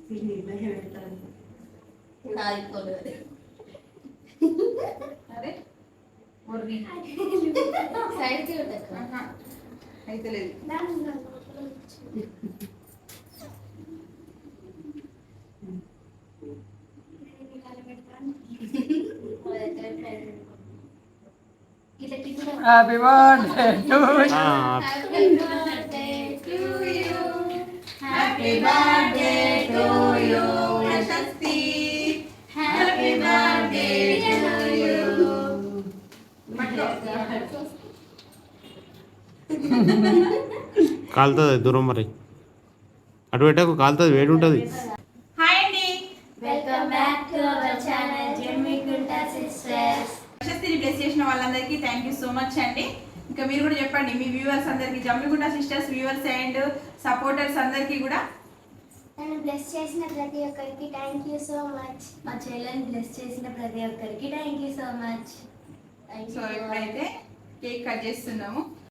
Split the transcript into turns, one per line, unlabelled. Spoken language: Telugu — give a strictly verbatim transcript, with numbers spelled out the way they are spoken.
అరే అయితే లేదు.
Happy birthday to you
happy birthday to you Prashasti. Happy birthday to you.
కాలుతుంది దూరం మరి అటు పెట్టకు కాలుతుంది వేడి ఉంటుంది.
హాయ్ అండి,
welcome back to our channel Jammikunta sisters.
ప్రశస్తిని బ్లెస్ చేసిన వాళ్ళందరికీ థ్యాంక్ యూ సో మచ్ అండి. ఇంకా మీరు కూడా చెప్పండి మీ వ్యూవర్స్ అందరికీ, Jammikunta sisters viewers and supporters అందరికీ కూడా
నన్ను బ్లెస్ చేసిన ప్రతి ఒక్కరికి థ్యాంక్ యూ సో మచ్. మా చెల్లెని బ్లెస్ చేసిన ప్రతి ఒక్కరికి thank you so much.
So ఇప్పుడైతే కేక్ కట్ చేస్తున్నాము.